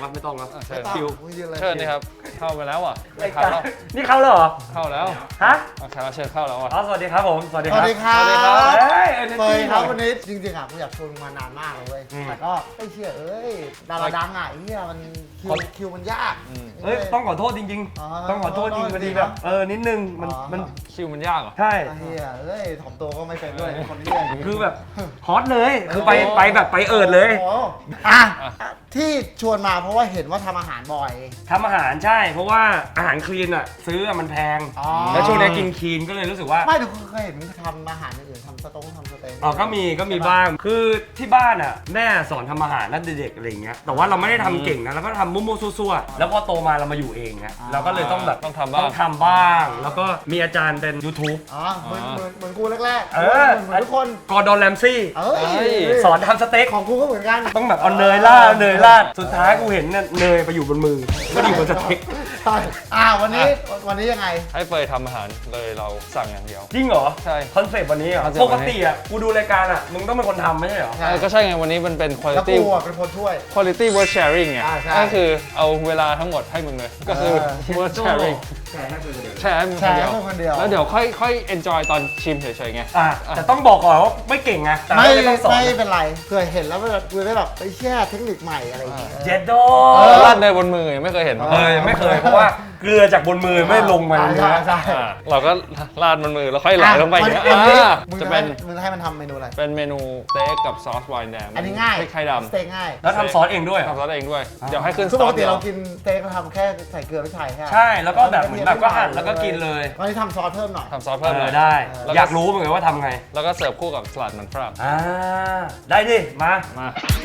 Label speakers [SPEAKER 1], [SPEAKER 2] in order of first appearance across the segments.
[SPEAKER 1] ครับไม่ต้องครับ
[SPEAKER 2] เชิญ
[SPEAKER 1] คิว
[SPEAKER 2] เชิญนี่ครับเข้าไปแล้วอ่ะ
[SPEAKER 1] รายการนี่เข้าแล้วเหรอ
[SPEAKER 2] เข้าแล้ว
[SPEAKER 1] ฮะ
[SPEAKER 2] แขกรับเชิญเข้าแล้วอ่ะ
[SPEAKER 1] อ๋อสวัสดีครับผมสวัสดี
[SPEAKER 3] ส
[SPEAKER 1] ค
[SPEAKER 3] วั
[SPEAKER 1] รับ
[SPEAKER 3] สดีครับ
[SPEAKER 2] สวัสดีครับ
[SPEAKER 1] เฮ้ย
[SPEAKER 3] เฟยครับวันนี้จริงๆอ่ะกูอยากชวนมึงมานานมากเลยเว้ย
[SPEAKER 1] อืม
[SPEAKER 3] แต่ก็ไม่เชื่อดาราดังอ่ะไอ้เหี้ยมันคิวมันยาก
[SPEAKER 1] เฮ้ยต้องขอโทษจริง
[SPEAKER 3] อ๋อ
[SPEAKER 1] ๆ ต้องขอโทษจริง
[SPEAKER 3] ขอโทษ
[SPEAKER 1] พอดีแบบนิดนึงมัน
[SPEAKER 2] คิวมันยากเหรอ
[SPEAKER 1] ใช่
[SPEAKER 3] ไอ้เหี้ยถ่อมตัวก็ไม่เป็นด้วยคนเหี้ย
[SPEAKER 1] คือแบบฮอตเลยคือไปแบบไปเอิดเลย
[SPEAKER 3] โอ้อ่ะที่ชวนมาเพราะว่าเห็นว่าทำอาหารบ่อย
[SPEAKER 1] ทำอาหารใช่ เพราะว่าอาหารคลีนอ่ะซื้อมันแพง
[SPEAKER 3] อ๋อ
[SPEAKER 1] แล้วช่วงนี้กินคลีนก็เลยรู้สึกว่า
[SPEAKER 3] ไม่แต่กูเคยเห็นมึงทำอาหารอย่างอื่นทำสเต็ก
[SPEAKER 1] อ๋อก็มีบ้าง คือที่บ้านอ่ะแม่สอนทำอาหารตั้งแต่เด็กอะไรอย่างเงี้ย แต่ว่าเราไม่ได้ทำเก่งนะเราก็ทำมั่วๆซั่วๆแล้วพอโตมาเรามาอยู่เองเงี้ยเราก็เลยต้องแบบ
[SPEAKER 2] ต้องทำบ้าง
[SPEAKER 1] ต้องทำบ้าง แล้วก็มีอาจารย์เป็น YouTube
[SPEAKER 3] อ๋อเหมือนกูแรกๆ
[SPEAKER 1] เออ
[SPEAKER 3] เหมือนทุกคน
[SPEAKER 1] กอร์ดอนแรมซี่
[SPEAKER 3] เอ้ย
[SPEAKER 1] สอนทำสเต็ก
[SPEAKER 3] ของกูก็เหมือนกัน
[SPEAKER 1] ต้องแบบเอาเนยราดสุดท้ายกูเห็นเนี่ยเนยไปอยู่บนมือไม่ได้อยู่บนสเต็ก
[SPEAKER 3] ใช่วันนี้ยังไง
[SPEAKER 2] ให้เฟยทำอาหารเลยเราสั่งอย่างเดียว
[SPEAKER 1] จริงเหรอ
[SPEAKER 2] ใช่
[SPEAKER 1] คอนเซปต์วันนี้เหรอ
[SPEAKER 2] คอนเซปต์
[SPEAKER 1] ป
[SPEAKER 2] วั
[SPEAKER 1] ก
[SPEAKER 2] นนี้
[SPEAKER 1] ติอ่ะกูดูรายการอ่ะมึงต้องเป็นคนทำไม่ใช่เหรอ
[SPEAKER 3] ใช่
[SPEAKER 2] ก็ใช่ไงวันนี้มันเป็น
[SPEAKER 3] แล้ว
[SPEAKER 2] quality
[SPEAKER 3] กูอ่ะเป็นคนช่วย
[SPEAKER 2] quality worth sharing ไง
[SPEAKER 3] ใช่
[SPEAKER 2] ก็คือเอาเวลาทั้งหมดให้มึงเลย ก็คือ worth sharing
[SPEAKER 1] แชร์ให้เพื่อนเลย
[SPEAKER 2] แชร์ให้มึง
[SPEAKER 3] แชร์ให้มึงคนเดียว
[SPEAKER 2] แล้วเดี๋ยวค่อย enjoy ตอนชิมเฉยๆไง
[SPEAKER 1] แต่ต้องบอกก่อนว่าไม่เก่งไงแต่
[SPEAKER 3] ไม่
[SPEAKER 1] ก็ต้องสอน
[SPEAKER 3] ไม่เป็นไรเผื่อเห็นแล้วแบบกูได้แบบไปแช่เทคนิคใหม่อะไรอย่างเงี้ย
[SPEAKER 1] เจ็ดโด
[SPEAKER 2] ราดเนยบนมือยังไม่เคยเห็นมั้ย
[SPEAKER 1] ไม่เคยเพราะว่าเกลือจากบนมือไม่ลงมาเลย
[SPEAKER 3] ใช่
[SPEAKER 1] นะ
[SPEAKER 3] ใช่
[SPEAKER 2] เราก็ราดบนมือแล้วค่อยไหลลงไปอย่างเงี้ย
[SPEAKER 3] วันนี้
[SPEAKER 2] จะ
[SPEAKER 3] จะ
[SPEAKER 2] เป็
[SPEAKER 3] มึงจะให้มันทำเมนูอะไร
[SPEAKER 2] เป็นเมนูสเต็กกับซอสไวน์แดง
[SPEAKER 3] อันนี้ง่าย
[SPEAKER 2] พริกไทยด
[SPEAKER 3] สเต็กง่าย
[SPEAKER 1] แล้วทำซอสเองด้วยเหรอ
[SPEAKER 2] ำทำซอสเองด้วย เดี๋ยวให้ขึ้น
[SPEAKER 3] คือ
[SPEAKER 2] ซ
[SPEAKER 3] ป
[SPEAKER 2] อก ส
[SPEAKER 3] ติ
[SPEAKER 2] เดียว
[SPEAKER 3] เรากินสเต็กเราทำแค่ใส่เกลือไม่ใช่
[SPEAKER 1] ใช่แล้วก็แบบเหมือนแบบก็หั่นแล้วก็กินเลย
[SPEAKER 3] วันนี้ทำซอสเพิ่มหน่อย
[SPEAKER 2] ทำซอสเพิ่มเลย
[SPEAKER 1] ได้
[SPEAKER 2] แล้วก็
[SPEAKER 1] อยากรู้เหมือนกันว่าทำไง
[SPEAKER 2] แล้วก็เสิร์ฟคู่กับสลัดมันฝรั่ง
[SPEAKER 1] ได้ดิมา
[SPEAKER 2] มา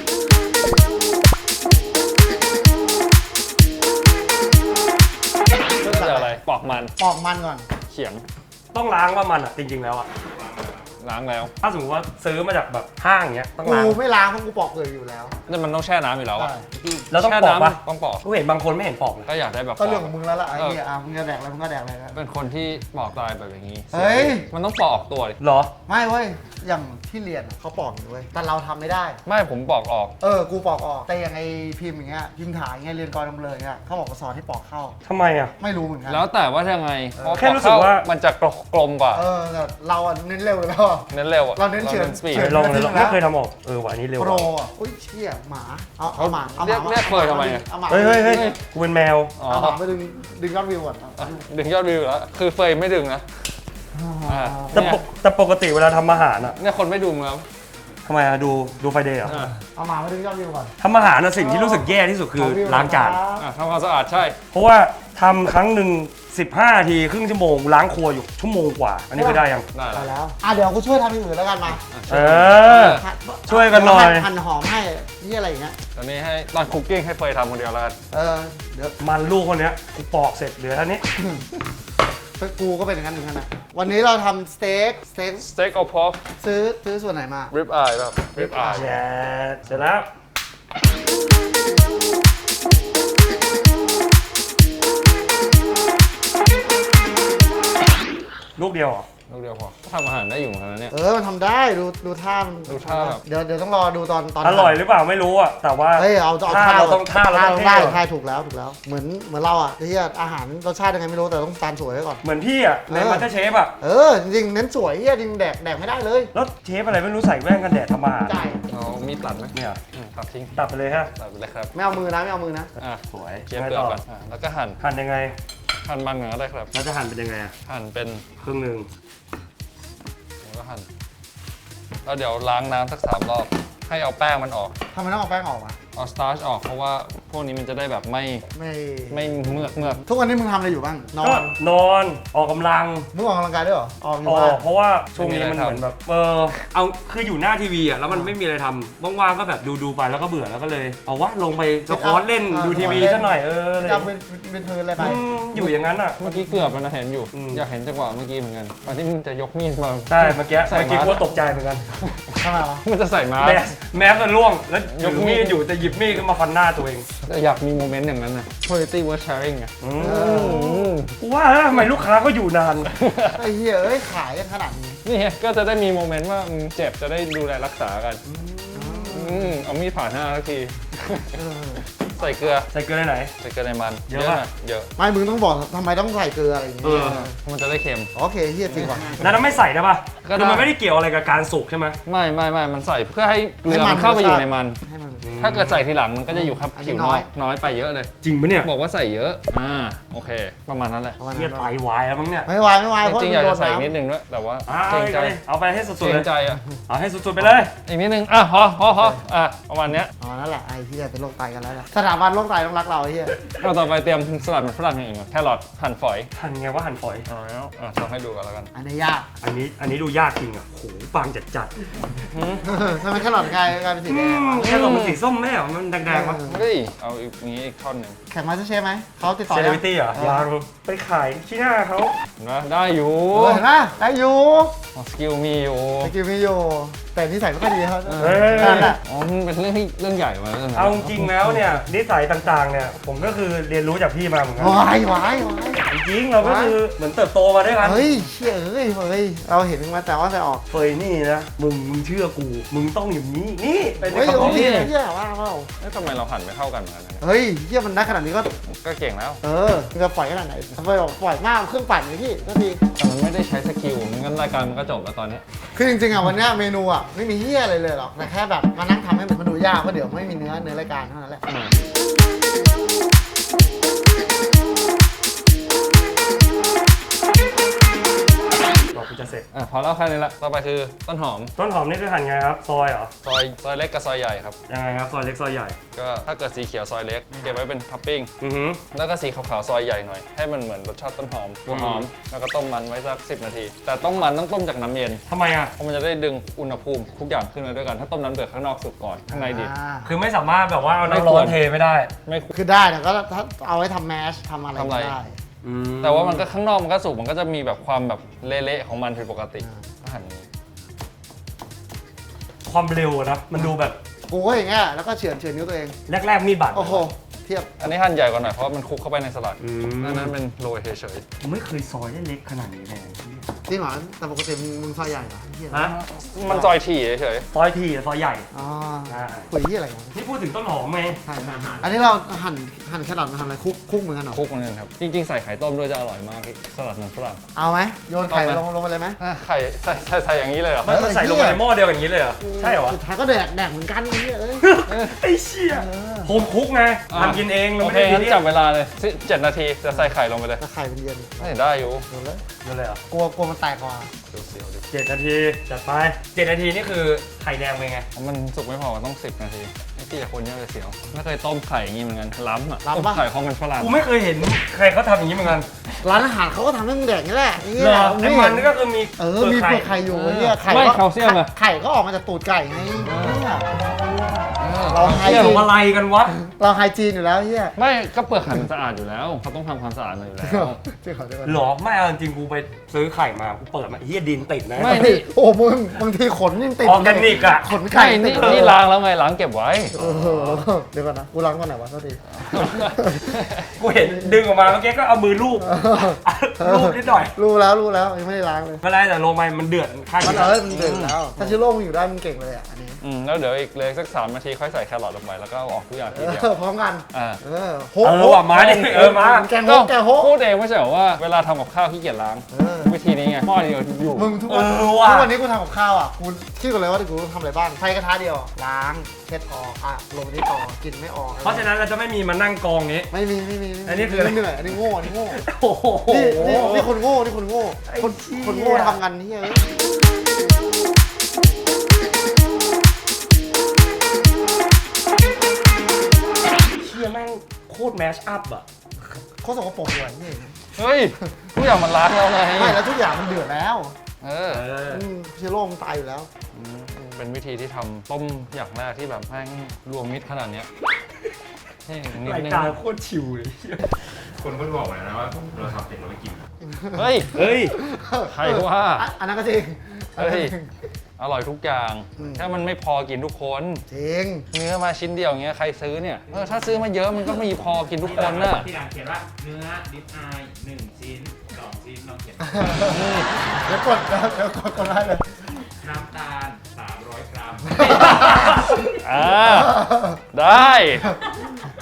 [SPEAKER 2] เริ่มจากอะไรปอกมัน
[SPEAKER 3] ปอกมันก่อน
[SPEAKER 2] เขียง
[SPEAKER 1] ต้องล้างว่ามันอ่ะจริงๆแล้วอ่ะ
[SPEAKER 2] ล้างแล้ว
[SPEAKER 1] ถ้าสมมติว่าซื้อมาจากแบบห้างเงี้ยต้อง
[SPEAKER 3] กู
[SPEAKER 1] ล้าง
[SPEAKER 3] ไม่ล้างเพราะกูปอกเปลือกอยู่แล้ว
[SPEAKER 2] นี่มันต้องแช่น้ำอยู่แล้วอะ
[SPEAKER 3] ใช่
[SPEAKER 1] แล้วต้อง
[SPEAKER 2] แช่
[SPEAKER 1] ปอกปะ
[SPEAKER 2] น้ำต้องปอก
[SPEAKER 1] กูเห็นบางคนไม่เห็นปอกเลย
[SPEAKER 2] ก็อยากได้แบบ
[SPEAKER 3] ก็เรื่องของมึงแล้วล่ะไอ้
[SPEAKER 2] เออ
[SPEAKER 3] เหี้ยมึงจะแดกอะไรมึงก็แดกอะไรนะ
[SPEAKER 2] เป็นคนที่ปอกตายแบบอย่างนี้
[SPEAKER 3] เฮ้ย
[SPEAKER 2] มันต้องปอกออกตัวดิ
[SPEAKER 1] เหรอ
[SPEAKER 3] ไม่เว้ยอย่างที่เรียนอะเขาปอกอยู่เว้ยแต่เราทำไม่ได้
[SPEAKER 2] ไม่ผมปอกออก
[SPEAKER 3] กูปอกออกแต่อย่างไอ้พิมพ์อย่างเงี้ยพิมพ์ถ่ายอย่างเงี้ยเรียนกรนำเลยเงี้ยเขาบอกว่าสอนให้ปอกเข้า
[SPEAKER 1] ทำไมอ่ะ
[SPEAKER 3] ไม่รู้เหมือนกัน
[SPEAKER 2] แล้วแต่ว่ายังไงเพราะ
[SPEAKER 1] แค่รู้สึกว่า
[SPEAKER 2] มันจะกลมกว่า
[SPEAKER 3] แต่เราอะเน้นเร็วอยู่แล้วอะ
[SPEAKER 2] เน้นเร็วอะ
[SPEAKER 3] เราเน้นเฉือน
[SPEAKER 2] สปีด
[SPEAKER 3] เฉือน
[SPEAKER 1] ลองเลยลองไม่เคยทำออกว่ะอันนี้เร็ว
[SPEAKER 3] โปร
[SPEAKER 1] ว่ะ
[SPEAKER 3] อ่ะอุ้ยเชี่ยหมาเอาหมาเอาห
[SPEAKER 2] เรีย
[SPEAKER 3] มาก
[SPEAKER 2] เรียกเฟยทำไมอะ
[SPEAKER 3] เอาหมา
[SPEAKER 1] เฮ้ยกูเป็นแมว
[SPEAKER 2] อ๋อ
[SPEAKER 3] เอาหมาไปดึงยอดวิวก่อน
[SPEAKER 2] ดึงยอดวิวแล้วคือเฟยไม่ดึงนะอ่า
[SPEAKER 1] แต่ปกติเวลาทำอาหารอ่ะ
[SPEAKER 2] เนี่ยคนไม่ดูมึงแล้ว
[SPEAKER 1] ทำไมอะดูไฟเดย์เหรอ
[SPEAKER 3] เอาหมามาดึงยอดวิวก่อน
[SPEAKER 1] ทำอาหารนะสิ่งที่รู้สึกแย่ที่สุดคือล้างจาน
[SPEAKER 2] ทำความสะอาดใช่
[SPEAKER 1] เพราะว่าทำครั้งหนึ่ง15 นาทีครึ่งชั่วโมงล้างครัวอยู่ชั่วโมงกว่า อันนี้เคยได้ยัง
[SPEAKER 2] ได้
[SPEAKER 3] ไป
[SPEAKER 2] แล้ว
[SPEAKER 3] แล้วเดี๋ยวกูช่วยทำอย่างอื่นแล้วกันมา
[SPEAKER 1] เออ ช่วยกันหน่อย
[SPEAKER 3] หั่นหอมให้นี่อะไรอย่างเงี้ย
[SPEAKER 2] ตอนนี้ให้ตอนคุกกิ้งให้เฟยทำคนเดียวแล้วกัน
[SPEAKER 3] เดี๋ยว
[SPEAKER 1] มันลูกคนเนี้ยกูปอกเสร็จเหลือเท่านี้
[SPEAKER 3] กูก็เป็นอย่างนั้นเหมือนกันนะวันนี้เราทำสเต็ก
[SPEAKER 2] สเต็กเอาพอก
[SPEAKER 3] ซื้อส่วนไหนมา
[SPEAKER 2] ริบอายแบบริบอาย
[SPEAKER 1] แย่เสร็จแล้ว ลูกเดียวเหรอ
[SPEAKER 2] ลูกเดียวพอทำอาหารได้อยู่เหมือนกันนะเนี่ย
[SPEAKER 3] มันทำได้ดูท่ามัน
[SPEAKER 2] ดูท่าแบบ
[SPEAKER 3] เดี๋ยวต้องรอดูตอน
[SPEAKER 1] อร่อยหรือเปล่าไม่รู้อะแต่ว่า
[SPEAKER 3] เอา
[SPEAKER 1] ท่าเราต้องท่าเราต้องเท่
[SPEAKER 3] ได้
[SPEAKER 1] ก่อน
[SPEAKER 3] ท่าถูกแล้วเหมือนเราอ่ะที่อาหารรสชาติยังไงไม่รู้แต่ต้องจานสวยไว้ก่อน
[SPEAKER 1] เหมือนพี่อะในมัตเตอร์เชฟอะ
[SPEAKER 3] จริงๆเน้นสวยเฮียจริงแดกไม่ได้เลย
[SPEAKER 1] แล้วเชฟอะไรไม่รู้ใส่แว่นกันแดดทำอาหาร
[SPEAKER 3] จ่าย
[SPEAKER 2] เอามีดตัดไหม
[SPEAKER 1] เนี่ย
[SPEAKER 2] ตัดทิ้ง
[SPEAKER 1] ตัดไปเลยฮะ
[SPEAKER 2] ตัดไปเลยครับ
[SPEAKER 3] ไม่เอามือนะ
[SPEAKER 2] อ่ะ
[SPEAKER 1] สวย
[SPEAKER 2] เคี่ยวเปลือกก่อนแล้วก็หั่น
[SPEAKER 1] หั่นยังไง
[SPEAKER 2] หั่นมันก่อนก็ได้ครับ
[SPEAKER 1] แล้วจะหั่นเป็นยังไงอะ
[SPEAKER 2] หั่นเป็น
[SPEAKER 1] ครึ่งหนึ่ง
[SPEAKER 2] แล้วก็หั่นแล้วเดี๋ยวล้างน้ำสัก3 รอบให้เอาแป้งมันออก
[SPEAKER 3] ทำไมต้องเอาแป้งออกอ่ะ
[SPEAKER 2] เอาสตาร์ชออกเพราะว่าพวกนี้มันจะได้แบบไม่
[SPEAKER 3] ไม่
[SPEAKER 2] เมือก
[SPEAKER 3] ทุกวันนี้มึงทำอะไรอยู่บ้างนอ
[SPEAKER 1] ก็
[SPEAKER 3] น
[SPEAKER 1] นอนออกกำลัง
[SPEAKER 3] มึงออกกำลังกายด้วยเหรอออกอยู่
[SPEAKER 1] ออ
[SPEAKER 3] บ้าน
[SPEAKER 1] กเพราะว่าช่วงนี้มันเหมือนแบบเอาคืออยู่หน้าทีวีอ่ะแล้วมันไม่มีอะไรทำว่างๆก็แบบดูไปแล้วก็เบื่อแล้วก็เลย เอาวะลงไปสควอตเล่นดูทีวีซะหน่อยอะไร
[SPEAKER 3] จะเป็นเธออะไรไป
[SPEAKER 1] อยู่อย่างนั้นอ่ะ
[SPEAKER 2] เมื่อกี้เกือบแล้วนะเห็นอยู่
[SPEAKER 1] อืม
[SPEAKER 2] อยากเห็นจังหวะเมื่อกี้เหมือนกันตอนที่มันจะยกมีดมา
[SPEAKER 1] ใช่เมื่อกี้
[SPEAKER 2] ใส่
[SPEAKER 1] กู
[SPEAKER 2] มา
[SPEAKER 1] ก็ตกใจเหมือนกัน
[SPEAKER 3] ทำไมวะ
[SPEAKER 2] มันจะใส่มา
[SPEAKER 1] แมสมันร่วงแล้วยกมีดอยู่แต่หยิบมีดขึ้นมาฟันหน้าตัวเอง
[SPEAKER 2] อยากมีโมเมนต์อย่างนั้นนะ quality worth sharing ไง
[SPEAKER 1] กูว่าทำไมลูกค้าก็อยู่นาน
[SPEAKER 3] ไอ้เหี้ยขายกันขนาดนี้
[SPEAKER 2] นี่ไงก็จะได้มีโมเมนต์ว่าเจ็บจะได้ดูแลรักษากันเอามีดผ่านหน้าสักทีใส่เกลือ
[SPEAKER 1] ใส่เกลือในไหน
[SPEAKER 2] ใส่เกลือในมัน
[SPEAKER 1] เยอะปะ
[SPEAKER 2] หน่เยอะ
[SPEAKER 3] ไม่มึงต้องบอกทำไมต้องใส่เกลืออะไรอย่างเงี้ย
[SPEAKER 1] เออ
[SPEAKER 2] มันจะได้เค็ม
[SPEAKER 3] โอเคเฮียจริงว่ะ
[SPEAKER 1] แล้วไม่ใส่ได้ปะ
[SPEAKER 2] ก็ได้
[SPEAKER 1] คือมันไม่ได้เกี่ยวอะไรกับการสุกใช่ไหม
[SPEAKER 2] ไม่มันใส่เพื่อให้เกลือมันเข้าไปอยู่ในมัน
[SPEAKER 3] ให้มัน
[SPEAKER 2] ถ้าเกิดใส่ทีหลังมันก็จะอยู่ครับ
[SPEAKER 3] อันนี้
[SPEAKER 2] ผิว
[SPEAKER 3] น้
[SPEAKER 2] น้
[SPEAKER 3] อ
[SPEAKER 2] อย ยน้อยไปเยอะเลย
[SPEAKER 1] จริงปะเนี่ย
[SPEAKER 2] บอกว่าใส่เยอะโอเค ประมาณนั้นแหละ
[SPEAKER 3] ประมาณ
[SPEAKER 1] เฮีย
[SPEAKER 3] นั้น
[SPEAKER 1] ไตวายแล้วมั้งเนี่ย
[SPEAKER 3] ไม่ไหวไม่ไหว
[SPEAKER 2] จ
[SPEAKER 3] เพราะ
[SPEAKER 2] ริงๆอยาก
[SPEAKER 3] โด
[SPEAKER 2] จะ
[SPEAKER 3] น
[SPEAKER 2] ใส่อีก
[SPEAKER 3] น้ำ
[SPEAKER 2] นิดนึงด้วยแต่ว่า
[SPEAKER 1] อ่า
[SPEAKER 2] เกรงใจ
[SPEAKER 1] เอาไปให้สุด
[SPEAKER 2] เก
[SPEAKER 1] ๆ
[SPEAKER 2] ร
[SPEAKER 1] เล
[SPEAKER 2] ง
[SPEAKER 1] ย
[SPEAKER 2] ใจอ่ะ
[SPEAKER 1] เอาให้สุดๆไปเลย
[SPEAKER 2] อีกนิดนึงพอประมาณเนี้ย
[SPEAKER 3] อ๋อนั่นแหละไอ้ที่จะเป็นโรคไตกันแล้วแหละสถาบันโรคไตต้องรักเราไอ้เฮีย
[SPEAKER 2] เราต่อไปเตรียมสลัดมันฝรั่งอย่างอื่นก่อนแครอทหั่นฝอย
[SPEAKER 1] หั่นไงว่าหั่นฝอย
[SPEAKER 2] เอาแล้วทำให้ดูกันแล้วกัน
[SPEAKER 3] อันนี้ยาก
[SPEAKER 1] อันนี้ดูยากจริงอ่ะโหบางจัด
[SPEAKER 3] ทำไมแค่หลอดกลายเป็นสีแดงวะ
[SPEAKER 1] แค่ลงมันสีส้มแม่เหรอมันแดงๆวะ
[SPEAKER 2] เฮ้ยเอาอีกนี้อีกท่อนหนึ่ง
[SPEAKER 3] แข่งมาสเตอร์เชฟไหมเขาติดต่อ
[SPEAKER 1] เซเล
[SPEAKER 3] ยัง
[SPEAKER 1] บริตี้เหรอยังไปขายที่หน้าเขา
[SPEAKER 2] นะได้อยู่
[SPEAKER 3] เห็นปะได้อยู่
[SPEAKER 2] สกิลมีอยู่
[SPEAKER 3] สกิลมีอยู่แต่นิสัยไม่ค่อยดีเขา
[SPEAKER 1] เฮ้ย
[SPEAKER 3] นั่นแหละ
[SPEAKER 2] อ๋อมันเป็นเรื่องใหญ่มาแล้วนะ
[SPEAKER 1] เอาจริงๆแล้วเนี่ยนิสัยต่างๆเนี่ยผมก็คือเรียนรู้จากพี่มาเหมือนกัน
[SPEAKER 3] วายวาย
[SPEAKER 1] จริงๆเราก็คือเหมือนเติบโตมาด้วยกัน
[SPEAKER 3] เฮ้ยเชี่ยเฮ้ยเราเห็นมาแต่ว่าจะออก
[SPEAKER 1] เฟยนี่นะมึงเชื่อกูมึงต้องอย่างนี้นี่เป็น
[SPEAKER 3] เฮ้ย
[SPEAKER 1] คำ
[SPEAKER 3] โอ
[SPEAKER 1] พูด
[SPEAKER 3] เค
[SPEAKER 1] ที่
[SPEAKER 3] เชี่ยว่าเปล่า
[SPEAKER 2] เอ๊ะทำไมเราหั่นไม่เข้ากันเหมือนกันนะ
[SPEAKER 3] เฮ้ยเชี่ยมันได้ขนาดนี้ก็
[SPEAKER 2] ก็เก่งแล้ว
[SPEAKER 3] มึงจะปล่อยขนาดไหนทำไมบอกปล่อยมากเครื่องปั่นเลยพี่ก็ดี
[SPEAKER 2] แต่มันไม่ได้ใช้สกิลงั้นรายการมันก็จบแล้วตอนนี้
[SPEAKER 3] คือจริงๆอ่ะวันเนี้ยเมนูอ่ะไม่มีเฮียอะไรเลยหรอกแต่แค่แบบมานั่งทำให้มันดูยากเพราะเดี๋ยวไม่มีเนื้อรายการเท่านั้นแหละ
[SPEAKER 1] บอกกูจะเสร็จ
[SPEAKER 2] พอแล้วแค่นี้ละต่อไปคือต้นหอม
[SPEAKER 1] ต้นหอมนี่คือหั่นไงครับซอยเหรอ
[SPEAKER 2] ซอยเล็กกับซอยใหญ่ครับ
[SPEAKER 1] ยังไงครับซอยเล็กซอยใหญ่
[SPEAKER 2] ก็ถ้าเกิดสีเขียวซอยเล็กเก็บไว้เป็นท็อปปิ้ง
[SPEAKER 1] อือหือ
[SPEAKER 2] แล้วก็สีขาวๆซอยใหญ่หน่อยให้มันเหมือนรสชาติต้นหอมหัวหอมแล้วก็ต้มมันไว้สัก10 นาที แต่ต้องมันต้องต้มจากน้ำเย็น
[SPEAKER 1] ทำไมอ่ะ
[SPEAKER 2] เพราะมันจะได้ดึงอุณหภูมิทุกอย่างขึ้นมาด้วยกันถ้าต้มน้ำเดือดข้างนอกสุกก่อนข้างในดิบ
[SPEAKER 1] คือไม่สามารถแบบว่าเอาน้ำร้อนเทไม่ได้
[SPEAKER 2] ไม่ควร
[SPEAKER 3] คือได้แต่ก็ถ้าเอาไว้ทำแมชทำอะไร
[SPEAKER 2] ทำอะไร
[SPEAKER 3] ก็ได้
[SPEAKER 2] แต่ว่ามันก็ข้างนอกมันก็สุกมันก็จะมีแบบความแบบเละๆของมันผิดปกติก็หั่นอย่างนี้
[SPEAKER 1] ความเร็วอะนะมันดูแบบ
[SPEAKER 3] กูก็อย่างเงี้ยแล้วก็เฉือนนิ้วตัวเอง
[SPEAKER 1] แรกๆมีดบาด
[SPEAKER 3] โอ้โหเทียบ
[SPEAKER 2] อันนี้หั่นใหญ่กว่าหน่อยเพราะมันคลุกเข้าไปในสลัด
[SPEAKER 1] อืม
[SPEAKER 2] อันนั้นเป็นโรยเฉย
[SPEAKER 3] Oh.
[SPEAKER 1] ผมไม่เคยซอยได้เล็กขนาดนี้เลย
[SPEAKER 3] จริงเหรอแต่ปกติมึงซอยใหญ่เหรอเฮีย
[SPEAKER 1] ฮะ
[SPEAKER 2] ๆมันซอยถี่เฉย
[SPEAKER 1] ซอยทีซอยใหญ่
[SPEAKER 3] อ๋อ
[SPEAKER 1] ใช่
[SPEAKER 3] คุยเฮียอะไรวะ
[SPEAKER 1] นี่พูดถึงต้นหอมไง
[SPEAKER 3] ใช่อันนี้เราหั่นแครอทมาทำอะไรคุกเหมือนกันเหรอ
[SPEAKER 2] ๆคลุกมันนึงครับจริงๆใส่ไข่ต้มด้วยจะอร่อยมากพี่สลัดมันฝรั่ง
[SPEAKER 3] เอาไหมโยนไข่
[SPEAKER 2] เอาไหม
[SPEAKER 3] ลงไปเลยไหม
[SPEAKER 2] ไข่ใส่อย่างนี้เลยเหรอ
[SPEAKER 1] มันใส่ลงไปในหม้อเดียวอย่างนี้เลยเหรอใช่เหรอ
[SPEAKER 3] สุดท้ายก็แดกเหมือนกันไอ้เหี้ยเอ้ย
[SPEAKER 1] ไอ้เชี่ยโฮมคุกไงทำกินเองเรา
[SPEAKER 2] โอ
[SPEAKER 1] ไม่
[SPEAKER 2] เค
[SPEAKER 1] ได้กิ
[SPEAKER 2] งั้
[SPEAKER 1] น
[SPEAKER 2] น
[SPEAKER 1] ที่
[SPEAKER 2] จับเวลาเลย7 นาทีจะใส่ไข่ลงไปเลย
[SPEAKER 3] ถ้าไข่เป็นเย็น
[SPEAKER 2] ได้อยู่
[SPEAKER 3] โดนเลย
[SPEAKER 1] นั่นเลยเหรอก
[SPEAKER 3] ลัวมันแตกกว่า
[SPEAKER 2] เสียวๆดิ
[SPEAKER 1] 7 นาทีจัดไป7 นาทีนี่คือไข่แดงเป็นไง
[SPEAKER 2] มันสุกไม่พอต้อง10 นาทีนี่พี่จะคนเยอะเลยเสียวไม่เคยต้มไข่อย่างนี้เหมือนกันล้ำอ่ะต้มไข่ของมันฝรั่ง
[SPEAKER 1] กูไม่เคยเห็นใครเขาทำอย่างนี้เหมือนกัน
[SPEAKER 3] ร้านอาหารเขาก็ทำให้มึงแดกนี่แหละไอ้เหี้
[SPEAKER 1] เหร
[SPEAKER 3] ย
[SPEAKER 1] อไอ้มันนี่ก็คือมี
[SPEAKER 3] มีเปลือกไข่อยู่ไอ้เหี้ยไข่
[SPEAKER 2] ไม่
[SPEAKER 3] ก็
[SPEAKER 2] แคลเซียมอะ
[SPEAKER 3] ไข่ก็ออกมาจากตูดไก่ไงเนี่ยเราไฮ
[SPEAKER 1] เกี่ยว
[SPEAKER 3] จีน
[SPEAKER 1] อะไรกันวะ
[SPEAKER 3] เราไฮจีนอยู่แล้วไอ้เหี้ย
[SPEAKER 2] ไม่ก็เปลือกไข่มันสะอาดอยู่แล้วเขาต้องทำความสะอาดมันอยู่แล้ว
[SPEAKER 3] จริงเหรอ
[SPEAKER 1] หรอไม่เอาจริงๆกูไปซื้อไข่มากูเปิดมาเฮียดินติดนะ
[SPEAKER 2] ไม่นี่
[SPEAKER 3] โอ้มึงบางทีขนยังติด
[SPEAKER 1] ออร์แกนิกอะ
[SPEAKER 3] ขนไข่
[SPEAKER 2] ไข่
[SPEAKER 3] ติ
[SPEAKER 2] นี่
[SPEAKER 3] ด
[SPEAKER 2] นี่ล้างแล้วไงล้างเก็บไว้
[SPEAKER 3] เออเดี๋ยวก่อนนะกูล้างก่อนไหนวะโทษที
[SPEAKER 1] กูเห็นดึงออกมาเมื่อกี้ก็เอามือลูบลูบนิดหน่อย
[SPEAKER 3] รู้แล้วยังไม่ได้ล้างเลย
[SPEAKER 1] ไม่เป็นไรแต่ลงไปมันเดือดข้าง
[SPEAKER 3] มัน
[SPEAKER 1] นี้
[SPEAKER 3] มันเดือดแล้วถ้าชิโร่มึงอยู่ได้มึงเก่งเลยอ่ะอันนี้
[SPEAKER 2] แล้วเดี๋ยวอีกเลยสัก3 นาทีค่อยใส่แครอทลงไปแล้วก็เอาออกทุกอย่างทีเดียว
[SPEAKER 3] พร้อมกัน
[SPEAKER 2] อ่า
[SPEAKER 3] โฮ
[SPEAKER 1] ว่ะมาดิมา
[SPEAKER 3] แกงโฮแกงโฮ
[SPEAKER 2] พูดเองไม่ใช่เหรอว่าเวลาทำกับข้าวขี้เกียจล้าง วิธีนี้ไงหม้อเดียวอยู่
[SPEAKER 3] มึงทุกวันนี้กูทำกับข้าวอ่ะกูคิดก่อนเลยว่ากูต้องทำอะไรบ้างไฟกระทะเดียวล้างเช็ดออกลงนี่ต่อกินไม่ออก
[SPEAKER 1] เพราะฉะนั้นเราจะไม่มีมานั่งกองนี้
[SPEAKER 3] ไม่มี
[SPEAKER 1] อันนี้คืออะไร
[SPEAKER 3] เหนื่อยอันนี้โง่
[SPEAKER 1] โอ้โห
[SPEAKER 3] นี่คนโง่คนโง่ทำกันนี่เอ้ย
[SPEAKER 1] เชี่ยแม่งโคตรแมชอัพอะ
[SPEAKER 3] เขาสกปรกเลยนี่
[SPEAKER 2] เฮ้ยทุกอย่างมันล้างแล้วไง
[SPEAKER 3] ไม่แล้วทุกอย่างมันเดือดแล้ว ชิโร่มึงตายอยู่แล้ว
[SPEAKER 2] เป็นวิธีที่ทำต้มอย่างแรกที่แบบแม่งรวมมิตรขนาดเนี้ยนี่นิด
[SPEAKER 1] ราย
[SPEAKER 2] นึง
[SPEAKER 1] การโคตรชิวเลย
[SPEAKER 4] คนก็บอกมานะว่าเราทำเสร็จเราไม่กิน
[SPEAKER 2] เฮ้ย
[SPEAKER 1] เฮ้ย
[SPEAKER 2] ใครว่า
[SPEAKER 3] อันนั้นก็จริง
[SPEAKER 2] เฮ้ย อร่อยทุกอย่าง แค่มันไม่พอกินทุกคน
[SPEAKER 3] จริง
[SPEAKER 2] เนื้อมาชิ้นเดียวอย่างเงี้ยใครซื้อเนี่ยถ้าซื้อมาเยอะมันก็ไม่พอกินทุกคนน่ะ
[SPEAKER 4] ที่ร้านเขียนว่าเนื้อดิบอาย1 ชิ้น 2 ชิ้นลองเขียน
[SPEAKER 3] เดี๋ยวกดได้เลย
[SPEAKER 4] น้ำตาล 300 กรัม
[SPEAKER 2] ได้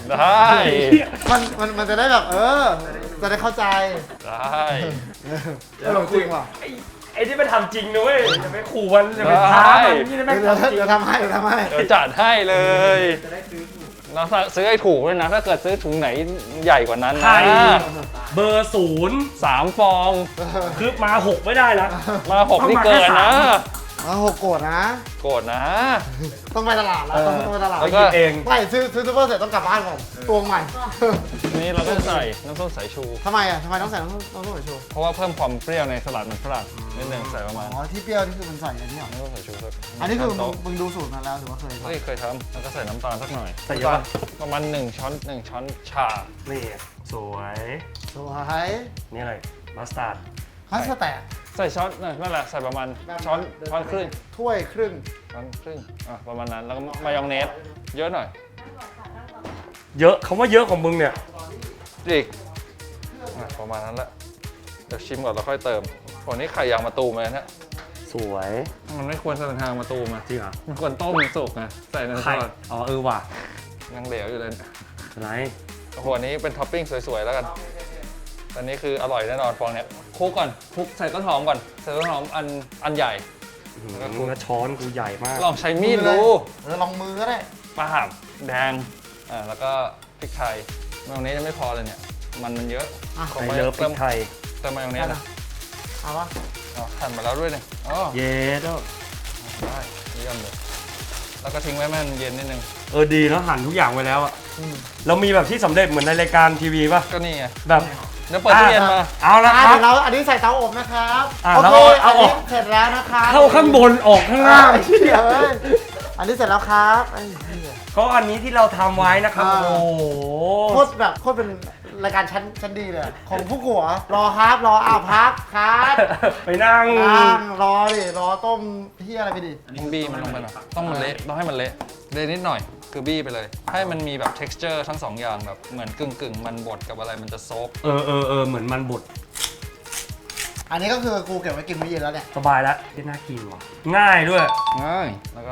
[SPEAKER 2] ได้
[SPEAKER 3] มันจะได้แบบจะได้เข้าใจ
[SPEAKER 2] ได้
[SPEAKER 3] ตลกจริงว่ะ
[SPEAKER 1] ไอ้ที่มันทำจริงนะเว้ยอย่าไปขู่มันอย่าไปท้ามันนี่นะแม่ง
[SPEAKER 3] เดี๋ยว
[SPEAKER 1] ทำจริง
[SPEAKER 3] เดี๋ยวทำให้เดี๋ยวทำให้
[SPEAKER 2] เดี๋ยวจัดให้เลยเราซื้อให้ถูกด้วยนะ ถ้าเกิดซื้อถุงไหนใหญ่กว่านั้น
[SPEAKER 1] ไข่
[SPEAKER 2] นะ
[SPEAKER 1] เบอร์ศูนย์
[SPEAKER 2] 3 ฟอง
[SPEAKER 1] คือมา6ไม่ได้นะ
[SPEAKER 2] มา 6 นี่เกินนะ
[SPEAKER 3] หกโกรธนะ
[SPEAKER 2] โกรธนะ
[SPEAKER 3] ต้องไปตลาดแล้วต้องไปตลาด
[SPEAKER 2] แล้ว
[SPEAKER 1] ห
[SPEAKER 2] ก็
[SPEAKER 1] ยิบเอง
[SPEAKER 3] ไม่ซื้อซูเปอร์เสร็จต้องกลับบ้านก่อนตวงใหม่
[SPEAKER 2] นี่เราต้องใส่น้ำส้มสายชู
[SPEAKER 3] ทำไมอ่ะทำไมต้องใส่น้ำส้มสายชู
[SPEAKER 2] เพราะว่าเพิ่มความเปรี้ยวในสลัดมันฝรั่งนิดนึงใส่ประมาณ
[SPEAKER 3] อ๋อที่เปรี้ยวนี่คือมันใส่อันนี้เหรอ
[SPEAKER 2] น้ำส้มสายชูสัก
[SPEAKER 3] อันนี้คือ
[SPEAKER 2] ช้โต๊ะ
[SPEAKER 3] มึงดูสูตรมาแล้วหรือว่าเคย
[SPEAKER 2] เฮ้ยเคยทำแล้วก็ใส่น้ำตาลสักหน่อย
[SPEAKER 1] ใส่เยอะปะ
[SPEAKER 2] ประมาณ1 ช้อนชา
[SPEAKER 1] นี่สวย
[SPEAKER 3] สวย
[SPEAKER 1] นี่อะไรมัสตาร์ด
[SPEAKER 3] ฮัสแตก
[SPEAKER 2] ใส่ช้อนนั่นแหละใส่ประมาณช้อนครึ่ง
[SPEAKER 3] ถ้วยครึ่ง
[SPEAKER 2] ช้อนครึ่งประมาณนั้นแล้วก็มายองเนสเยอะหน่อย
[SPEAKER 1] เยอะคำว่าเยอะของมึงเนี่ย
[SPEAKER 2] อีกประมาณนั้นแหละเดี๋ยวชิมก่อนแล้วค่อยเติมวันนี้ไข่ยางมะตูมเลยนะ
[SPEAKER 1] สวย
[SPEAKER 2] มันไม่ควรใส่ทางมะตูมอ่ะ
[SPEAKER 1] จริงเหรอ
[SPEAKER 2] มันควรต้มสุกนะใส่ในซ
[SPEAKER 1] ไข่
[SPEAKER 2] อส
[SPEAKER 1] อ๋อว่ะ
[SPEAKER 2] ยังเหลวอยู่เลย
[SPEAKER 1] อะไร
[SPEAKER 2] โอ้โหอันนี้เป็นท็อปปิ้งสวยๆแล้วกันอันนี้คืออร่อยแน่นอนฟองเนี้ยคลุกก่อนคลุกใส่ต้นหอมก่อนใส่ต้นหอมอันใหญ่
[SPEAKER 1] มึงนะช้อนกูใหญ่มาก
[SPEAKER 2] ลองใช้มีดดู
[SPEAKER 3] ลองมือก็ได้
[SPEAKER 2] ปลาบแดงแล้วก็พริกไทยมายองเนสยังไม่พอเลยเนี่ยมันเยอะ
[SPEAKER 3] อ่ะ
[SPEAKER 1] ไข่เลิฟพริกไทย
[SPEAKER 2] เติมมายองเนสนะ
[SPEAKER 3] เอาปะ
[SPEAKER 2] หั่นมาแล้วด้วยเนี่ยอ๋อ
[SPEAKER 1] เย็ดแล้ว
[SPEAKER 2] ได้เยี่ยมเลยแล้วก็ทิ้งไว้ให้มันเย็นนิดนึง
[SPEAKER 1] ดีแล้วหั่นทุกอย่างไว้แล้วอะเรามีแบบที่สำเร็จเหมือนในรายการทีวีป่ะ
[SPEAKER 2] ก็นี่ไง
[SPEAKER 1] แบบ
[SPEAKER 2] เดี๋ยวเปิดตู้เย็นมา
[SPEAKER 1] เอาละค
[SPEAKER 3] เดี๋
[SPEAKER 1] รับ
[SPEAKER 3] ยวเราอันนี้ใส่เตาอบนะครับ
[SPEAKER 1] อ่ะ
[SPEAKER 3] โอ
[SPEAKER 1] แล้ว
[SPEAKER 3] เค
[SPEAKER 1] เอา
[SPEAKER 3] อัน
[SPEAKER 1] อ
[SPEAKER 3] นี้
[SPEAKER 1] อก
[SPEAKER 3] เสร็จแล้วนะครับ
[SPEAKER 1] เข้าข้างบนออกข้างล่าง
[SPEAKER 3] ไอ้เหี้ยเอ้ยอันนี้เสร็จแล้วครับไอ้เหี้ย
[SPEAKER 1] ก็อันนี้ที่เราทำไว้นะครับ
[SPEAKER 3] อ่า
[SPEAKER 1] โอ้โห
[SPEAKER 3] โคตรเป็นรายการชั้นดีเลยอะของผู้กัวรอครับรอพักครับ
[SPEAKER 1] ไปนั่ง
[SPEAKER 3] นั่งรอดิรอต้มเหี้ยอะไรไปดิ
[SPEAKER 2] ต้องบี้มันลงไปหน่อยต้องมันเละต้องให้มันเละนิดหน่อยคือบี้ไปเลย ให้มันมีแบบ texture ทั้งสองอย่างแบบเหมือนกึ่งมันบดกับอะไรมันจะโซฟ
[SPEAKER 1] เหมือนมันบด
[SPEAKER 3] อันนี้ก็คือกูเก็บไว้กินมื้อเย็นแล้วเนี่ย
[SPEAKER 1] สบายแล้วที่น่ากินว่ะง่ายด้วย
[SPEAKER 2] ง่ายแล้วก็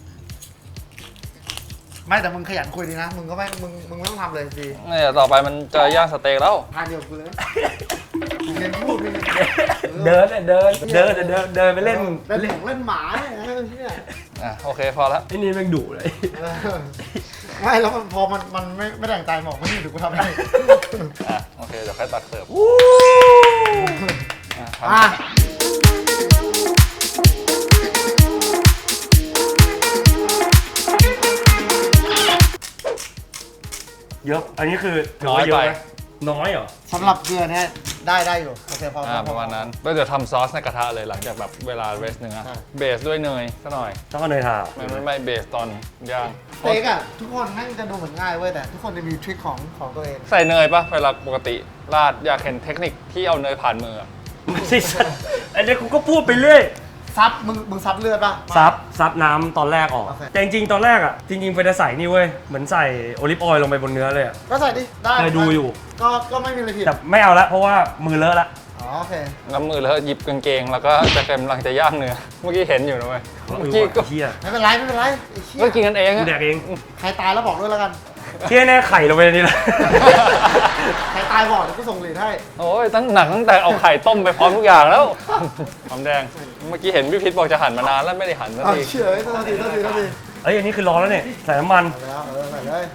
[SPEAKER 3] ไม่แต่มึงขยันคุยดีนะมึงก็ไม่มึงไม่ต้องทำเลยดี
[SPEAKER 2] เนี่ยต่อไปมันจะย่างสเต็กแล้ว
[SPEAKER 3] ทานเดียวกับกูเลยเรียนพูดเรียน
[SPEAKER 1] เดินไปเล่น
[SPEAKER 3] เล่นของเล่นหมาเนี่ย
[SPEAKER 2] โอเคพอละ
[SPEAKER 1] ไอ้นี่แม่งดุเลย
[SPEAKER 3] ไม่แล้วมันพอมันไม่แต่งใจบอกไม่ดีเดี๋ยวกูทำให้
[SPEAKER 2] โอเคเดี๋ยวค่อยตักเสิร์ฟทำ
[SPEAKER 3] อ่ะ
[SPEAKER 1] เยอะ อันนี้คือถืว่าเยอะไหมน้อยเหรอ
[SPEAKER 3] สำหรับเกลือเนี่ยได้อยู่โอเคพอ
[SPEAKER 2] ประมาณนั้นแล้วเดี๋ยวทำซอสในกระทะเลยหลังจากแบบเวลาเรสเนื้อเบสด้วยเนยซะหน่อย
[SPEAKER 1] ต้องเอาเนยทา
[SPEAKER 2] ไม่เบสตอนย่าง
[SPEAKER 3] สเต็กอ่ะทุกคนแม่งจะดูเหมือนง่ายเว้ยแต่ทุกคนจะมีทริคของตัวเอง
[SPEAKER 2] ใส่เนยปะเวลาปกติราดอยากเห็นเทคนิคที่เอาเนยผ่านมืออะ
[SPEAKER 1] ไม่ใช่สัตว์อันนี้กูก็พูดไปเรื่อย
[SPEAKER 3] ซับมึงซับเลือดป่ะ
[SPEAKER 1] ซับน้ำตอนแรกออก
[SPEAKER 3] โอเค
[SPEAKER 1] แต่จริงๆตอนแรกอ่ะ จริงๆเฟยจะใส่นี่เว้ย เหมือนใส่โอลิฟออยล์ลงไปบนเนื้อเลยอะ
[SPEAKER 3] ก็ใส่ดิได้
[SPEAKER 1] เคยดูอยู่
[SPEAKER 3] ก็ไม่มีอะไรผิด
[SPEAKER 1] แต่ไม่เอาละเพราะว่ามือเลอะละ
[SPEAKER 3] อ๋อโอเค
[SPEAKER 2] แล้วมือแล้วหยิบกางเกงแล้วก็จะกำลังจะย่างเนื้อเมื่อกี้เห็นอยู่นะเว้ยเมื่อกี้ก็
[SPEAKER 1] เฮีย
[SPEAKER 3] ไม่เป็นไรไอ้เหี้ย
[SPEAKER 2] ก็กินกันเอง
[SPEAKER 1] กู
[SPEAKER 2] อะ
[SPEAKER 1] แดกเอง
[SPEAKER 3] ใครตายแล้วบอกด้วยแล้วกัน
[SPEAKER 1] เฮียแน่ไข่ลงไปในนี่แหละ
[SPEAKER 3] ใครตายบอกเดี๋ยวกูส่งเหรียญให้
[SPEAKER 2] โอ้ยตั้งแต่เอาไข่ต้มไปพร้อมทุกอย่างแล้วหอมแดงเมื่อกี้เห็นพี่พิษบอกจะหั่นมานานแล้วไม่ได้หั่นสัก
[SPEAKER 3] อ้าว
[SPEAKER 2] ที
[SPEAKER 3] เชื่อโทษที
[SPEAKER 1] เอ้ยอันนี้คือร้อนแล้วเนี่ยใส่น้ำมัน
[SPEAKER 3] ใส่แล้วใส่เลย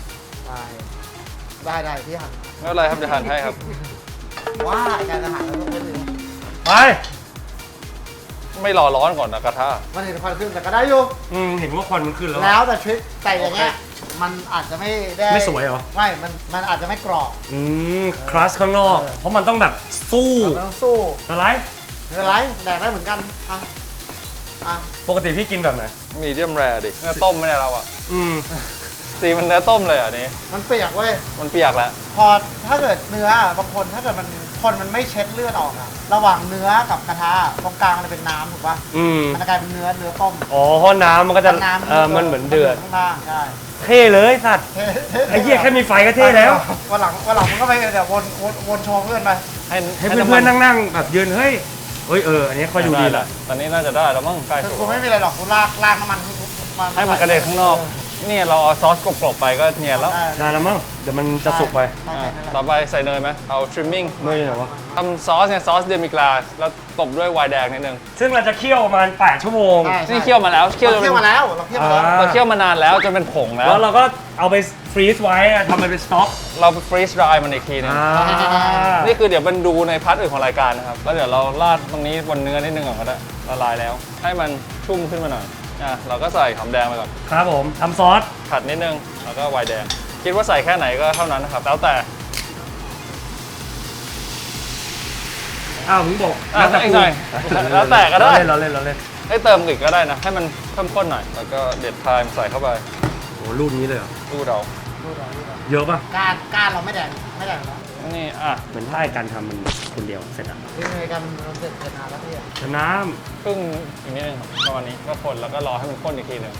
[SPEAKER 3] ได้ที่หัน
[SPEAKER 2] ไม่เป็นไรครับจะหั่นให้ครับ
[SPEAKER 3] ว่าการอาหารเราต้องเป็นอย่างนี้
[SPEAKER 1] ไป
[SPEAKER 2] ไม่รอร้อนก่อนนะกระทะ
[SPEAKER 3] มันเห็นควันขึ้นแต่ก็ได้อยู่
[SPEAKER 1] เห็นว่าควันมันขึ้นแล้ว
[SPEAKER 3] แล้วแต่ทริคแต่อย่างเงี้ยมันอาจจะไม่ได้
[SPEAKER 1] ไม่สวยเหรอ
[SPEAKER 3] ไม่มันอาจจะไม่กรอบ
[SPEAKER 1] คลัสข้างนอก เพราะมันต้องแบบสู้
[SPEAKER 3] เราต้องสู้
[SPEAKER 1] อะไร
[SPEAKER 3] ไม่เป็นไรแดกได้เหมือนกันอ่ะ
[SPEAKER 1] ปกติพี่กินแบบไหน
[SPEAKER 2] มีเดียมแรดิเนื้อต้มไม่ได้เราอ่ะ สีมันเนื้อต้มเลยอ่ะนี่
[SPEAKER 3] มันเปียกเว้ย
[SPEAKER 2] มันเปียกแล้ว
[SPEAKER 3] พอถ้าเกิดเนื้อบางคนถ้าเกิดคนมันไม่เช็ดเลือดออกอะระหว่างเนื้อกับกระทะตรงกลางมันจะเป็นน้ำถูกป่ะมันจะกลายเป็นเนื้อต้ม
[SPEAKER 1] อ๋อเพราะน้ำมันก็จะ
[SPEAKER 3] น้ำ
[SPEAKER 1] มันเหมือนเดือด
[SPEAKER 3] ข้างล่างใช่
[SPEAKER 1] เท่เลยสัตว์ไอ้เหี้ยแค่มีไฟก็เท่แล้ว
[SPEAKER 3] วันหลังมึงก็ไปเดี๋ยววนโชว์เพื่อนไป
[SPEAKER 1] ให้เพื่อนๆนั่งๆแบบยืนเฮ้ยอันนี้ค่อยดูดีแหละ
[SPEAKER 2] ตอนนี้น่าจะได้แล้วมั้งใกล้สุก
[SPEAKER 3] กูไม่มีอะไรหรอกกูลากน้ำมัน
[SPEAKER 2] ให้มันกระเด็นข้างนอกนี่เราเอาซอสกลบๆไปก็เนียนแล้ว
[SPEAKER 1] ได้แล้วมั้งเดี๋ยวมันจะสุกไป
[SPEAKER 2] ต่อไปใส่เนยไหมเอา trimming
[SPEAKER 1] เนยเหรอวะ
[SPEAKER 2] ทำซอสเนี่ยซอสเดมิกลาสแล้วตบด้วยไวน์แดงนิดนึง
[SPEAKER 1] ซึ่งเราจะเคี่ยวประมาณ8 ชั่วโมง
[SPEAKER 2] นี่เคี่ยวมาแล้วเคี่ยว
[SPEAKER 3] เรา
[SPEAKER 2] จน
[SPEAKER 3] เคี่ยวมาแล้วเราเคี่ยวมาแล้ว
[SPEAKER 2] เราเคี่ยวมานานแล้วจนเป็นผงแล้ว
[SPEAKER 1] แล้วเราก็เอาไปฟรีซไว้ทำมันเป็นสต็อก
[SPEAKER 2] เราไปฟรีซดรายมันอีกทีนึงนี่คือเดี๋ยวมันดูในพาร์ทอื่นของรายการนะครับแล้วเดี๋ยวเราราดตรงนี้บนเนื้อนิดนึงก่อนก็ได้ละลายแล้ว ให้มันชุ่มขึ้นมาหน่อยเราก็ใส่หอมแดงไปก่อน
[SPEAKER 1] ครับผมทำซอส
[SPEAKER 2] ผัดนิดนึงแล้วก็ไวน์แดงคิดว่าใส่แค่ไหนก็เท่านั้นนะครับแล้วแต่
[SPEAKER 1] อ้าวมึงบอก
[SPEAKER 2] อีกหน่อยแล้วแต่ก็ได้
[SPEAKER 1] เราเล่น
[SPEAKER 2] ให้เติมอีกก็ได้นะให้มันเพิ่มข้นหน่อยแล้วก็เด็ดไทม์ใส่เข้าไป
[SPEAKER 1] โอ้รูปนี้เลยเหรอ
[SPEAKER 2] ดูเรา
[SPEAKER 1] เยอะป่ะ
[SPEAKER 3] การเราไม่แดงแล้ว
[SPEAKER 2] นี่
[SPEAKER 1] เหมือนถ้าไอ้การทำมันคนเดียวเสร็จอ่ะ
[SPEAKER 3] ที่ในการมันเสร็จนานแล้วพี่
[SPEAKER 1] แต่น้
[SPEAKER 2] ครึ่งอีกนิดนึงครับประมาณนี้ก็คนแล้วก็รอให้มันข้นอีกทีหนึง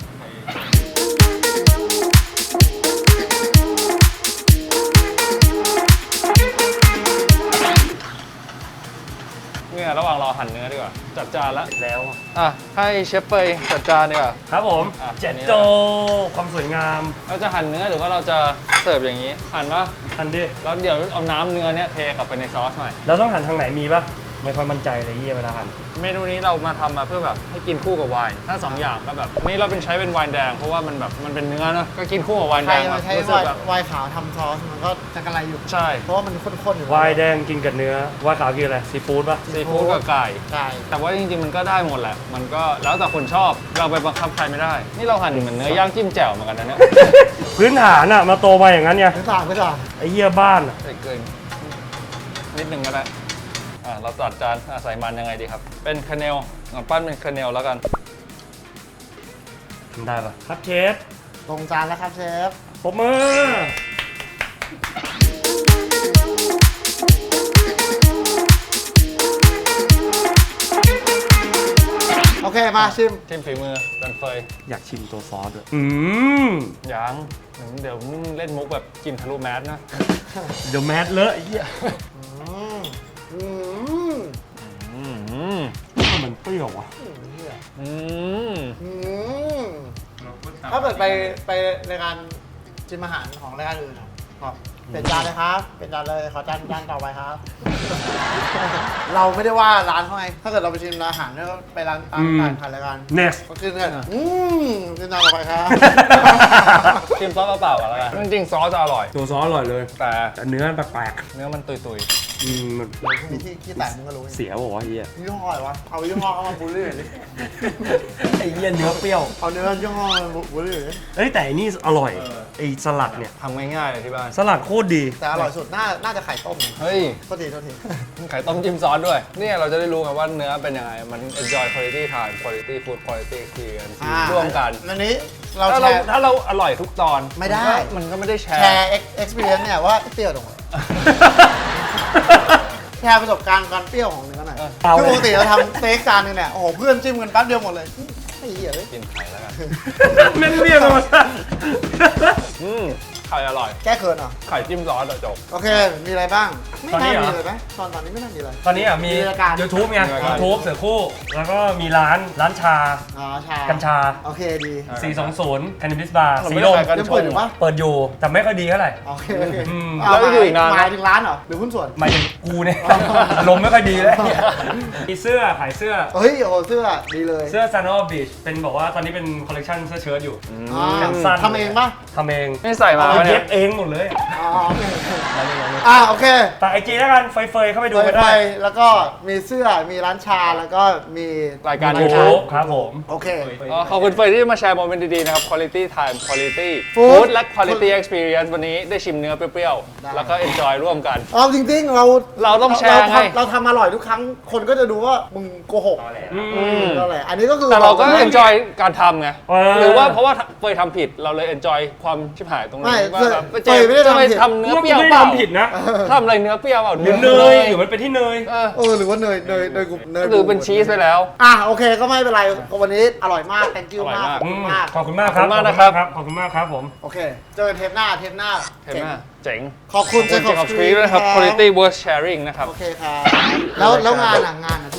[SPEAKER 2] เนี่ยระหว่างรอหั่นเนื้อดีกว่าจัดจานแล้ว
[SPEAKER 1] ำแล้ว
[SPEAKER 2] ให้เชฟเปยจัดจานดีกว่า
[SPEAKER 1] ครับผม
[SPEAKER 2] อ่ะ
[SPEAKER 1] เจ็ดโจความสวยงาม
[SPEAKER 2] เราจะหั่นเนื้อหรือว่าเราจะเสิร์ฟอย่างนี้ หั่นว่า
[SPEAKER 1] ทันดิ
[SPEAKER 2] แล้วเดี๋ยวเอาน้ำเนื้อเนี้ยเทกลับไปในซอสหน่อย
[SPEAKER 1] เราต้องหันทางไหนมีป่ะไม่ค่อยมั่นใจเลยเฮียเวลาหัน
[SPEAKER 2] เมนูนี้เรามาทำมาเพื่อแบบให้กินคู่กับไวน์ถ้า2อย่างก็แบบนี่เราเป็นใช้เป็นไวน์แดงเพราะว่ามันแบบมันเป็นเนื้อเนอะก็กินคู่กับไวน์
[SPEAKER 3] ใค
[SPEAKER 2] แด
[SPEAKER 3] รง
[SPEAKER 2] แบ
[SPEAKER 3] มา
[SPEAKER 2] บ
[SPEAKER 3] ใช้
[SPEAKER 2] รู้สึกแบบ
[SPEAKER 3] ไวน์ขาวทำซอสมันก็จะกระไรอยู่
[SPEAKER 2] ใช่
[SPEAKER 3] เพราะว่ามันข้นๆอยู่
[SPEAKER 1] วายแดงกินกับเนื้อวายขาวกินอะไรซีฟู้ดป่ะ
[SPEAKER 2] ซีฟู้ดกับไก่
[SPEAKER 3] ใช่
[SPEAKER 2] แต่ว่าจริงๆมันก็ได้หมดแหละ มันก็แล้วแต่คนชอบเราไปบังคับใครไม่ได้ นี่เราหั่นเหมือนเนื้อย่างจิ้มแจ่วเหมือนกันนะเนี่ย
[SPEAKER 1] พื้นฐานอ่ะมาโตมาอย่างนั้นไง
[SPEAKER 3] ไม่ต่างไม่ต่าง
[SPEAKER 1] ไอ้เหี้ยบ้านอะ
[SPEAKER 2] ใส่เกินนิดนึงก็ได้เราจัดจานใส่มันยังไงดีครับ เป็นคาเนลปั้นเป็นคาเนลแล้วกัน
[SPEAKER 1] ทำได้ป่ะครับเชฟ
[SPEAKER 3] ลงจานแล้วครับเชฟ
[SPEAKER 1] ปรบมือ
[SPEAKER 3] โอเคมาชิม
[SPEAKER 2] ทีมฝีมือดันเฟย
[SPEAKER 1] อยากชิมตัวซอสด้วย
[SPEAKER 2] ยังเดี๋ยวเล่นมุกแบบกินทะลุแมสนะ
[SPEAKER 1] เดี๋ยวแมสเลอะไอ้เหี้ย
[SPEAKER 3] อืม
[SPEAKER 1] มันเปรี้ยวอ่ะ
[SPEAKER 2] อืม
[SPEAKER 3] ถ้าเกิดไปรายการชิมอาหารของรายการอื่นอะครับเป็นจานเลยครับ เป็นจานเลยขอจานต่อไปครับ เราไม่ได้ว่าร้านเขาไงถ้าเกิดเราไปชิมร้านอาหารแล้วไปร้านตามต่างผ่านรายการ
[SPEAKER 1] next
[SPEAKER 3] ก็คือเนี่ยเป็นจานต่อไปครับ
[SPEAKER 2] ชิมซอสเปล่าๆก่อนแล้วกันจริงๆซอสจะอร่อย
[SPEAKER 1] ตัวซอสอร่อยเลย
[SPEAKER 2] แต่
[SPEAKER 1] แต่เนื้อแปลก
[SPEAKER 2] เนื้อมันตุย
[SPEAKER 1] ๆมัน
[SPEAKER 3] มีที่แตกมึงก็รู้
[SPEAKER 1] เสียบอกว่าวะเฮีย
[SPEAKER 3] ยี่ห้ออะไรวะ เอายี่ห้อเข้ามาบูลลี่หน่อยดิ
[SPEAKER 1] ไอ้เฮียเนื้อเปรี้ยว
[SPEAKER 3] เอาเนื้อยี่ห้อมาบูลลี่หน่อยดิ
[SPEAKER 1] เอ้ยแต่อันนี่อร่อยไอ้สลัดเนี่ย
[SPEAKER 2] ๆทำง่ายๆเลยที่บ้าน
[SPEAKER 1] สลัดโคตรดี
[SPEAKER 3] แต่อร่อยสุดน่าจะไข่ต้ม
[SPEAKER 2] เฮ้ย
[SPEAKER 3] โทษที
[SPEAKER 2] ไข่ต้มจิ้มซอสด้วย เนี่ยเราจะได้รู้กันว่าเนื้อเป็นยังไง มัน enjoy quality time quality food quality experience ร่วมกัน
[SPEAKER 3] อันนี้เรา
[SPEAKER 2] ถ้า
[SPEAKER 3] แช
[SPEAKER 2] เรา
[SPEAKER 3] ร์
[SPEAKER 2] ถ้าเราอร่อยทุกตอน
[SPEAKER 3] ไม่ได้
[SPEAKER 2] มันก็ไม่ได้แช
[SPEAKER 3] แช
[SPEAKER 2] ร์
[SPEAKER 3] ร์ experience เนี่ยว่าเปรี้ยวตรงไหน แชร์ประสบการณ์การเปรี้ยวของเนื้อหน่อย
[SPEAKER 1] เอา
[SPEAKER 3] คือปกติเราทำสเต็กจานนึงเนี่ย โอ้โห เพื่อนจิ้มกันแป๊บเดียวหมดเลยไอ้เหี้ยเลย
[SPEAKER 2] กินไข่แล้วกัน
[SPEAKER 1] แม่งเรียกมา
[SPEAKER 2] ไข่อร่อย
[SPEAKER 3] แก้เขินเหรอ
[SPEAKER 2] ไข่จิ้มซอสอะจบ
[SPEAKER 3] โอเค มีอะไรบ้าง ไม่
[SPEAKER 1] ตอนนี้
[SPEAKER 3] น่า
[SPEAKER 1] เหรอ
[SPEAKER 3] มีเลยไหมตอนนี้ไม่น่ามีอะไร
[SPEAKER 1] ตอนนี้อ่ะมี
[SPEAKER 3] มีรายการ
[SPEAKER 1] YouTube ไง
[SPEAKER 2] มีรายการ
[SPEAKER 1] YouTube เสือคู่ แล้วก็มีร้านชา
[SPEAKER 3] อ๋อชา
[SPEAKER 1] กัญชา
[SPEAKER 3] โอเคดี
[SPEAKER 1] 420 Cannabis Bar
[SPEAKER 2] เรา
[SPEAKER 1] สี
[SPEAKER 2] ไม่
[SPEAKER 1] ล
[SPEAKER 2] ได้
[SPEAKER 1] ม
[SPEAKER 2] ขายกัญ
[SPEAKER 3] ยัง
[SPEAKER 2] ช
[SPEAKER 3] เปิด
[SPEAKER 2] ง
[SPEAKER 3] อยู่ปะ
[SPEAKER 1] เปิดอยู่ แต่ไม่ค่อยดีเท่าไหร่
[SPEAKER 3] โอเค
[SPEAKER 1] อืม
[SPEAKER 3] เา
[SPEAKER 2] แล้วอยู่อีกนานไหม
[SPEAKER 3] หมายถึงร้านเหรอ หรือหุ้นส่วน
[SPEAKER 1] หมายถึงกูเนี่ย ลมไม่ค่อยดีแล้วมีเสื้อขายเสื้อ
[SPEAKER 3] เฮ้ย โอ้โหเสื้อดีเลย
[SPEAKER 1] เสื้อ Sun of Beach เป็นบอกว่าตอนนี้เป็นคอลเลคชันเสื้อเชิ้ตอยู่
[SPEAKER 3] อ่า
[SPEAKER 1] แขนสั้น
[SPEAKER 3] ทำเองปะ
[SPEAKER 1] ทำเอง
[SPEAKER 2] ไม่ใส่มา
[SPEAKER 1] เอา
[SPEAKER 2] วะเนี่
[SPEAKER 1] เย็
[SPEAKER 2] ย
[SPEAKER 1] บเองหมดเลย
[SPEAKER 3] อ๋อโอเคโอเค
[SPEAKER 1] แต่ไอจีแล้วกันเฟยๆเข้าไปดูกัน
[SPEAKER 3] ไป
[SPEAKER 1] ได้
[SPEAKER 3] แล้วก็มีเสื้อ มีร้านชา แล้วก็มี
[SPEAKER 2] รายการ
[SPEAKER 1] ยู
[SPEAKER 2] YouTube
[SPEAKER 1] ทูบครับผม
[SPEAKER 3] โอเค
[SPEAKER 2] ขอบคุณเฟยที่มาแชร์โมเมนต์ดีๆนะครับ quality time quality
[SPEAKER 3] Food
[SPEAKER 2] food และ quality experience วันนี้ได้ชิมเนื้อเปรี้ยว
[SPEAKER 3] ได้
[SPEAKER 2] ๆ แล้วก็ enjoy ร่วมกัน
[SPEAKER 3] เอาจริงๆ
[SPEAKER 2] เราต้องแชร์ไง
[SPEAKER 3] เราทำอร่อยทุกครั้ง คนก็จะดูว่ามึงโกหก ก็แหละอันนี้ก็คือ
[SPEAKER 2] แต่เราก็ enjoy การทำไง
[SPEAKER 1] เออ
[SPEAKER 2] หรือว่าเพราะว่าเฟยทำผิดเราเลย enjoy ความชิบหายตรงนี้
[SPEAKER 3] ไม่
[SPEAKER 2] ว่าแบบ
[SPEAKER 3] เฟยไม่ได้
[SPEAKER 2] จะ
[SPEAKER 3] ทำ
[SPEAKER 2] ไป
[SPEAKER 3] ผิด
[SPEAKER 2] ทำเนื้อ
[SPEAKER 1] ว่า
[SPEAKER 2] เป
[SPEAKER 1] กู
[SPEAKER 2] รี้ยว
[SPEAKER 1] ไม่
[SPEAKER 2] เป
[SPEAKER 1] ได้
[SPEAKER 2] ล่า
[SPEAKER 1] ทำผิดนะ
[SPEAKER 2] ทำอะไรเนื้อเปรี้ยวเปล่า
[SPEAKER 1] หรือเนยหรือมันเป็นที่เนย
[SPEAKER 3] หรือว่าเนยกู
[SPEAKER 2] หรือเป็นชีสไปแล้ว
[SPEAKER 3] โอเคก็ไม่เป็นไรวันนี้อร่อยมาก thank you
[SPEAKER 2] อร่อย
[SPEAKER 3] มาก
[SPEAKER 2] มาก
[SPEAKER 3] ขอบคุณมาก
[SPEAKER 1] ขอบคุณมากครับ
[SPEAKER 2] ขอบคุณมากนะครับ
[SPEAKER 1] ขอบคุณมากครับผม
[SPEAKER 3] โอเค เจอกันเทปหน้า
[SPEAKER 2] เห็นไหมเจ๋ง
[SPEAKER 3] ขอบคุณ
[SPEAKER 2] ขอบคุณ Jacob Street ด้วยนะครับ quality worth sharing นะครับ
[SPEAKER 3] โอเคครับ แล้วงานทุกวันเนี้ย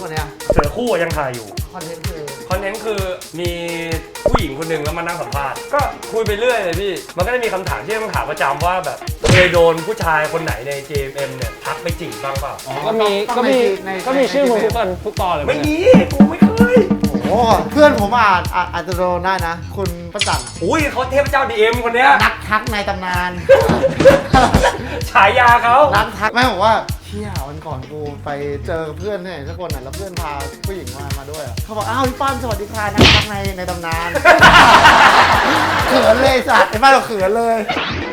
[SPEAKER 1] เสือคู่ยังถ่ายอยู่
[SPEAKER 3] คอนเทนต์คือ
[SPEAKER 1] คอนเทนต์คือมีผู้หญิงคนหนึ่งแล้วมานั่งสัมภาษณ์ก็คุยไปเรื่อยเลยพี่มันก็จะมีคำถามที่ต้องถามประจำว่าแบบเคยโดนผู้ชายคนไหนใน JMM เนี่ยทักไปจีบบ้างเปล่า
[SPEAKER 2] ก็มีชื่อมึงทุกตอนเลย
[SPEAKER 1] ไม่มีกูไม่เคย
[SPEAKER 3] โอ้เพื่อนผมอาจจะโดนได้นะ คุณประจัน
[SPEAKER 1] อุ้ยเขาเทพเจ้า DM คนเนี้ย
[SPEAKER 3] นักทักในตำนาน
[SPEAKER 1] ฉายาเขา
[SPEAKER 3] นักทักแม่บอกว่าเชี่ยวันก่อนกูไปเจอเพื่อนที่ไหนสักคนน่ะแล้วเพื่อนพาผู้หญิงมาด้วยอะเขาบอกอ้าวพี่ป้านสวัสดีค่ะนักทักในตำนาน เขินเลยสัตว์ไอ้ป้านเราเขินเลย